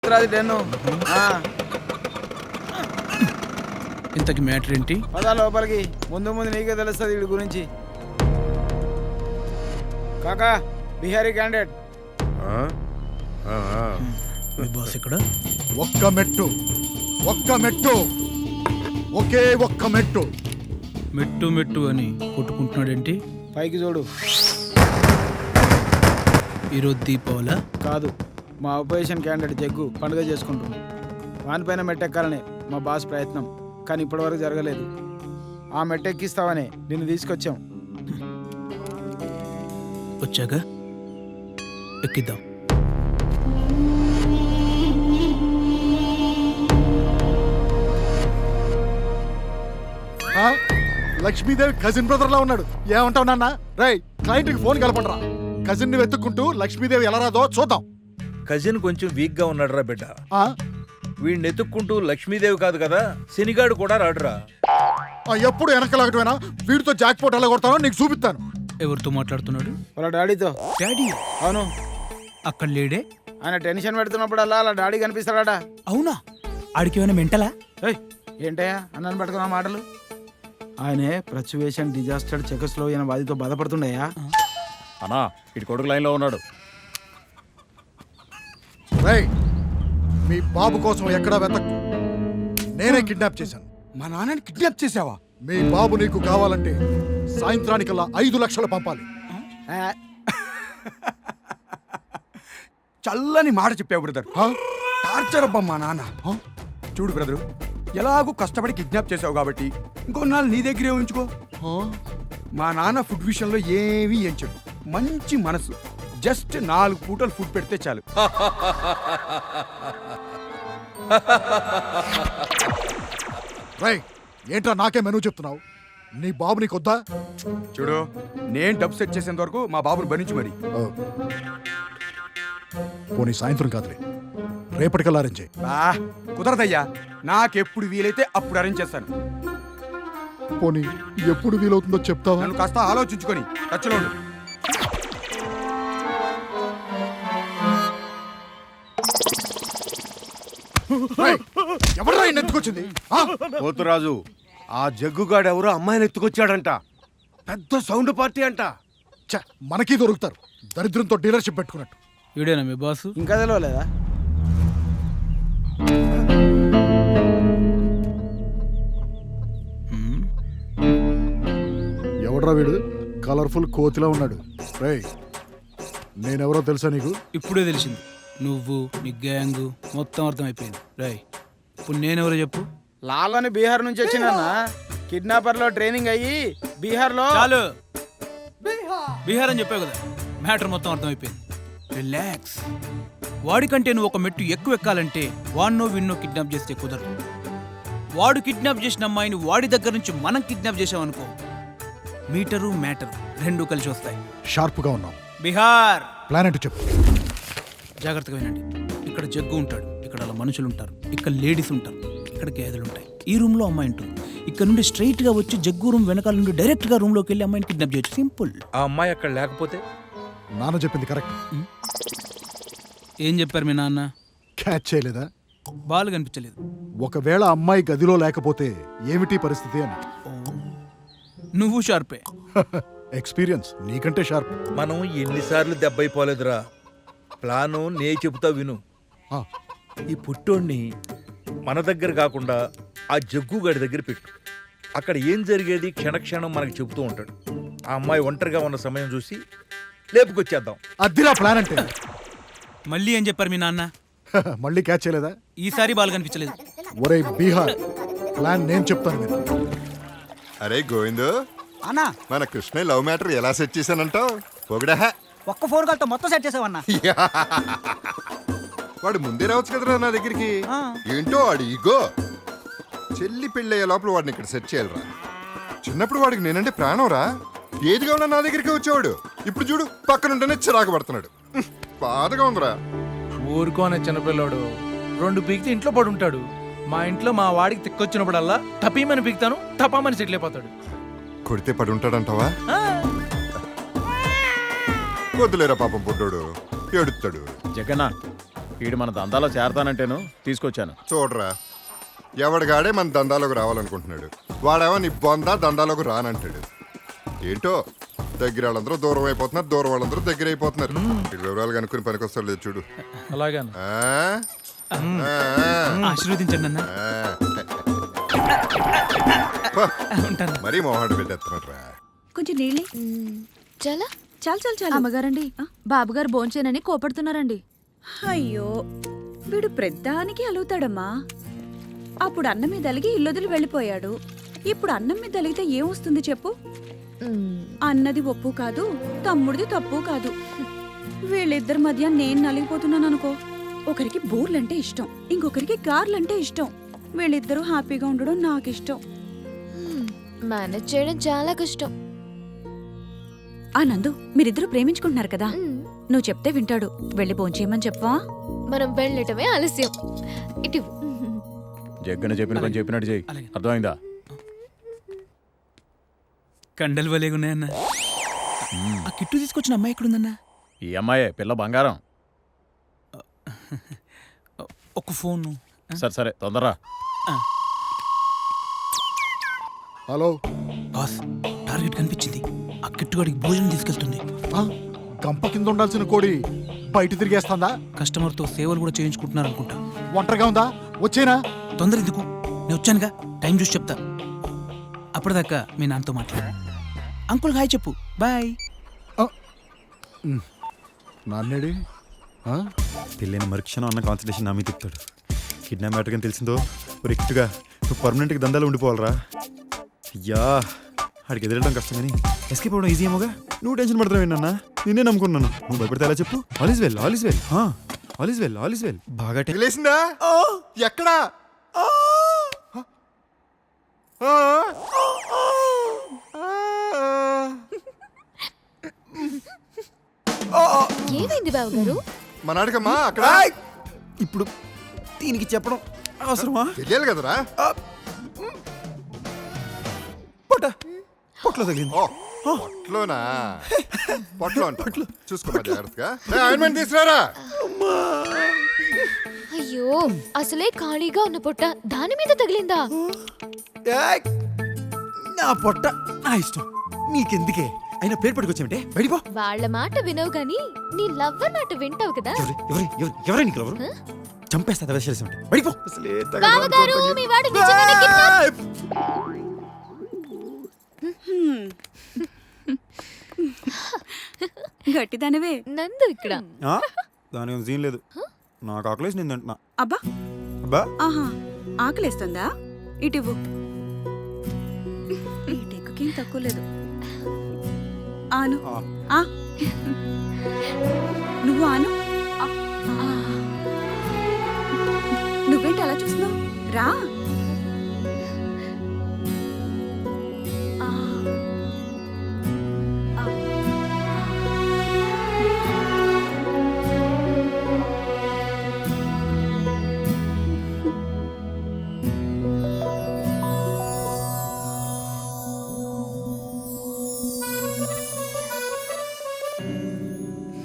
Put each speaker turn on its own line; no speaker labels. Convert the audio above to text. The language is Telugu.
ఇంతకి మ్యాటర్ ఏంటి?
పదా లోపలికి, ముందు ముందు నీకే తెలుస్తుంది వీడి గురించి. కాకా బిహారీ క్యాండిడేట్.
బాస్ ఇక్కడ
ఒక్క మెట్టు ఒకే ఒక్క మెట్టు
మెట్టు మెట్టు అని కొట్టుకుంటున్నాడేంటి?
పైకి చూడు.
ఈరోజు దీపావళి
కాదు, మా అపోజిషన్ క్యాండిడేట్ జగ్గు పండుగ చేసుకుంటున్నాం. వానిపైన మెట్టెక్కాలనే మా బాస్ ప్రయత్నం, కానీ ఇప్పటివరకు జరగలేదు. ఆ మెట్టెక్కిస్తావనే నిన్ను తీసుకొచ్చాం.
వచ్చాక ఎక్కిద్దాం.
లక్ష్మీదేవి కజిన్ బ్రదర్ లా ఉన్నాడు. ఏమంటావు నాన్న? రై, క్లయింట్ కి ఫోన్ కలపండిరా. కజిన్ ని వెతుక్కుంటూ లక్ష్మీదేవి ఎలా రాదో చూద్దాం.
కజిన్ కొంచెం వీక్ గా ఉన్నాడురా బిడ్డ. వీడిని ఎత్తుక్కుంటూ లక్ష్మీదేవి కాదు కదా, శనిగాడు కూడా రాడురా.
ఎప్పుడు వెనకలాగటమేనా? వీడితో జాక్ పోట్ ఎలా కొడతానో నీకు చూపిస్తాను.
ఎవరితో మాట్లాడుతున్నాడు?
వాళ్ళ డాడీతో.
డాడీ?
అవును.
అక్కడ లేడే?
ఆయన టెన్షన్ పెడుతున్నప్పుడు అలా అలా డాడీ కనిపిస్తాడా?
అవునా? ఆడికి ఏమైనా మెంటలా?
ఏంటయ్యా అన్నాను పట్టుకున్న మాటలు? ఆయనే ఫ్లక్చువేషన్ డిజాస్టర్ చెకస్లో ఈయన బాధితో బాధపడుతుండయా.
అన్నా ఇటు కొడుకు లైన్ లో ఉన్నాడు.
రేయ్, మీ బాబు కోసం ఎక్కడా వెతక్కు. నేనే కిడ్నాప్ చేశాను.
మా నాన్నని కిడ్నాప్ చేసావా?
మీ బాబు నీకు కావాలంటే సాయంత్రానికల్లా 5 లక్షలు పంపాలి.
చల్లని మాట చెప్పావు బ్రదర్. టార్చర్ అబ్బా మా నాన్న. చూడు బ్రదరు, ఎలాగూ కష్టపడి కిడ్నాప్ చేసావు కాబట్టి ఇంకొన్నాళ్ళు నీ దగ్గరే ఉంచుకో. మా నాన్న ఫుడ్ విషయంలో ఏమీ ఎంచడు. మంచి మనసు. జస్ట్ 4 పూటలు ఫుడ్ పెడితే చాలు.
రేయ్, ఏంట్రా నాకే మెనూ చెప్తున్నావు? నీ బాబు నీకొద్దా?
చూడు, నేను డబ్బు సెట్ చేసేంత వరకు మా బాబుని భరించు మరి.
పోనీ సాయంత్రం కాదులే, రేపటికల్లా అరేంజ్ చేయి.
కుదరదయ్యా, నాకెప్పుడు వీలైతే అప్పుడు అరేంజ్ చేస్తాను.
పోనీ ఎప్పుడు వీలవుతుందో చెప్తావా?
నన్ను కాస్త ఆలోచించుకొని టచ్లో ఉండు.
ఎవరా ఎత్తుకొచ్చింది?
పోతురాజు, ఆ జగ్గుగాడు ఎవరో అమ్మాయిని ఎత్తుకొచ్చాడంట. పెద్ద సౌండ్ పార్టీ అంట.
మనకి దొరుకుతారు, దరిద్రంతో డీలర్షిప్ పెట్టుకున్నట్టు.
వీడేనా మీ బాసు?
ఇంకా తెలవలేదా?
ఎవడ్రా వీడు? కలర్ఫుల్ కోతిలా ఉన్నాడు. రేయ్, నేనెవరో తెలుసా నీకు?
ఇప్పుడే తెలిసింది. నువ్వు, నీ గ్యాంగ్ మొత్తం అర్థమైపోయింది. రాయ్, ఇప్పుడు నేనెవరో చెప్పు.
లాలని బీహార్ నుంచి వచ్చిందన్న. కిడ్నాపర్ లో ట్రైనింగ్ అయ్యి బీహార్ లో.
చాలు, బీహార్ అని చెప్పావు కదా, మ్యాటర్ మొత్తం అర్థమైపోయింది. రిలాక్స్. వాడికంటే నువ్వు ఒక మెట్టు ఎక్కువ ఎక్కాలంటే వాడినో విన్నో కిడ్నాప్ చేస్తే కుదరదు. వాడు కిడ్నాప్ చేసిన అమ్మాయిని వాడి దగ్గర నుంచి మనం కిడ్నాప్ చేసామనుకో, మీటరు మ్యాటర్ రెండు కలిసి వస్తాయి.
షార్ప్ గా ఉన్నావు.
బీహార్
ప్లాన్ ఏంటో చెప్పు.
జాగ్రత్తగా వినండి. ఇక్కడ జగ్గు ఉంటాడు, ఇక్కడ అలా మనుషులు ఉంటారు, ఇక్కడ లేడీస్ ఉంటారు, ఇక్కడ గేదెలు ఉంటాయి. ఈ రూమ్ లో అమ్మాయి ఉంటుంది. ఇక్కడ నుండి స్ట్రైట్ గా వచ్చి జగ్గు రూమ్ వెనకాల నుండి డైరెక్ట్ గా రూమ్ లోకి వెళ్ళి అమ్మాయిని కిడ్నాప్ చేయొచ్చు. సింపుల్.
ఆ అమ్మాయి అక్కడ లేకపోతే?
నాన్న చెప్పింది కరెక్ట్.
ఏం చెప్పారు మీ నాన్న?
క్యాచ్ చేయలేదా?
బాల్ కనిపించలేదు.
ఒకవేళ అమ్మాయి గదిలో లేకపోతే ఏమిటి పరిస్థితి అని.
నువ్వు షార్పే.
ఎక్స్పీరియన్స్ నీకంటే షార్ప్.
మనం ఎన్నిసార్లు దెబ్బైపోలేదురా. ప్లాను నే చెబుతా విను. ఈ పుట్టోడిని మన దగ్గర కాకుండా ఆ జగ్గుగాడి దగ్గర పెట్టు. అక్కడ ఏం జరిగేది క్షణక్షణం మనకు చెబుతూ ఉంటాడు. ఆ అమ్మాయి ఒంటరిగా ఉన్న సమయం చూసి లేపుకొచ్చేద్దాం.
అద్దిరా ప్లాన్ అంటే.
మళ్ళీ ఏం చెప్పారు మీ నాన్న?
మళ్ళీ క్యాచ్ చేయలేదా?
ఈసారి బాల్ కనిపించలేదు.
ఒరే బీహార్, ప్లాన్ నేను చెప్తాను మీరు.
అరే గోవిందు
అన్నా,
మన కృష్ణ లవ్ మ్యాటర్ ఎలా సెట్ చేశానంటావు? పొగడా
ఒక్క ఫోన్ కాల్తో మొత్తం సెట్ చేసావన్నా.
వాడు ముందే రావచ్చు కదరా నా దగ్గరికి. ఏంటో వాడు ఈగో. చెల్లి పెళ్ళయ్యే లోపల వాడిని ఇక్కడ సెట్ చేయాలరా. చిన్నప్పుడు వాడికి నేనంటే ప్రాణం రా. ఏదిగా ఉన్నా నా దగ్గరికి వచ్చేవాడు. ఇప్పుడు చూడు, పక్కనుంటేనే చిరాకు పడుతున్నాడు. బాధగా ఉందిరా.
ఊరుకోనే చిన్నపిల్లోడు. 2 పీకితే ఇంట్లో పడుంటాడు. మా ఇంట్లో మా వాడికి తిక్కొచ్చినప్పుడల్లా టపీమని పీకుతాను, టపామని సెటిల్ అయిపోతాడు.
కొడితే పడి ఉంటాడంటావా? వద్దులేరా పాపం పుట్టోడు, ఏడుస్తాడు.
జగన్నా, వీడు మన దందాలో చేరతానంటేను తీసుకొచ్చాను.
చూడరా, ఎవడిగాడే మన దందాలోకి రావాలనుకుంటున్నాడు. వాడేమో నీ బొందా దందాలోకి రానంటాడు. ఏంటో దగ్గర వాళ్ళందరూ దూరం అయిపోతున్నారు, దూరం వాళ్ళందరూ దగ్గర అయిపోతున్నారు. వీడి వివరాలు కనుక్కుని పనికొస్తారు లేదు చూడు.
అలాగే
ఆ? ఆ.
ఆశీర్వదించండి అన్న.
ఆ. పో. మరీ మొహాడు పెట్టేస్తున్నాడు రా.
కొంచెం నీళ్ళే.
చాలా
చాలు
అమ్మగారండి, బాబుగారు భోంచేనని కోపడుతున్నారండి.
అయ్యో, వీడు ప్రద్దానికి అలుగుతాడమ్మా. అప్పుడు అన్నం మీద అలిగి ఇల్లొదిలి వెళ్ళిపోయాడు. ఇప్పుడు అన్నం మీద అలిగితే ఏమొస్తుంది చెప్పు? అన్నది ఒప్పు కాదు, తమ్ముడిది తప్పు కాదు. వీళ్ళిద్దరి మధ్య నేను నలిగిపోతున్నాను అనుకో. ఒకరికి బూర్లంటే ఇష్టం, ఇంకొకరికి గార్లంటే ఇష్టం. వీళ్ళిద్దరూ హ్యాపీగా ఉండడం నాకు ఇష్టం.
మేనేజ్ చేయడం చాలా కష్టం.
ఆ నందు, మీరిద్దరూ ప్రేమించుకుంటున్నారు కదా, నువ్వు చెప్తే వింటాడు. వెళ్ళి భోంచేయమని చెప్పవా?
మనం వెళ్ళటమే ఆలస్యం. ఇటు
జగ్గన చెప్పిన పని చెప్పినట్టు చెయ్యి. అర్థమైందా?
కండలు వలేగున్నాయన్న. ఆ కిట్టు తీసుకొచ్చిన అమ్మాయి ఎక్కడుందన్నా?
ఈ అమ్మాయే పిల్ల బంగారం.
ఒక ఫోన్.
సరే సరే తొందరరా.
హలో
బాస్, టార్గెట్ కనిపించింది. ఆ కిట్టుగాడికి భోజనం తీసుకెళ్తుంది.
గంప కింద ఉండాల్సిన కోడి బయట తిరిగేస్తుందా?
కస్టమర్తో సేవలు కూడా చేయించుకుంటున్నారు అనుకుంటా.
ఒంటరిగా ఉందా? వచ్చేనా?
తొందర ఎందుకు, నేను వచ్చానుగా. టైం చూసి చెప్తా. అప్పటిదాకా మీ నాన్నతో మాట్లాడు. అంకుల్ హాయ్ చెప్పు. బాయ్.
నాన్నేడి?
పెళ్ళైన మరుక్షణం అన్న కాన్సన్ట్రేషన్ నా మీద తిప్పుతాడు. కిడ్నాప్ మ్యాటర్ కానీ తెలిసిందో రెక్ట్గా నువ్వు పర్మనెంట్గా దందాలు ఉండిపోవాలరా. అయ్యా, ఆడికి ఎదురడం కష్టం కానీ ఎస్కేప్ అవ్వడం ఈజీ ఏమోగా. నువ్వు టెన్షన్ పడతావు ఏంటన్నా? నేనే నమ్ముకున్నాను. నువ్వు భయపడితే ఎలా చెప్పు? All is well, all is well, all is well, all is well. బాగా
తెలిసిందా? ఎక్కడా?
ఏమైంది బావగారు?
మనాడికమ్మా అక్కడ.
ఇప్పుడు దీనికి చెప్పడం అవసరమా?
తెలియాలి కదరా.
పొట్లో తగిలింది.
పొట్లోనా? పొట్లో చూసుకోమా జాగ్రత్తగా. ఆయింట్మెంట్ తీసుకురారా.
అయ్యో, అసలే ఖాళీగా ఉన్న పొట్ట దాని మీద తగిలిందా?
నా పొట్ట నా ఇష్టం, నీకెందుకే? అయినా ప్లేట్ పట్టుకొచ్చామంటే బయటిపో.
వాళ్ళ మాట వినవు గాని నీ లవ్వర్ మాట వింటావు కదా.
ఎవరే నీకు ఎవరు? చంపేస్తా వేసేసి ఉంటే బయటిపో.
బావగారు, మీ వాడు నిజంగానే కిడ్నాప్.
గట్టిదానివే.
నందు ఇక్కడ.
దాని సీన్ లేదు. నాకు ఆకలేసి నేను తింటున్నా.
అబ్బా
అబ్బా,
ఆహా, ఆకలేస్తుందా? ఇటివ్వు. ఈ టెక్కుకేం తక్కువ లేదు. ఆను. నువ్వు ఆను. నువ్వేంటి అలా చూస్తున్నావు? రా.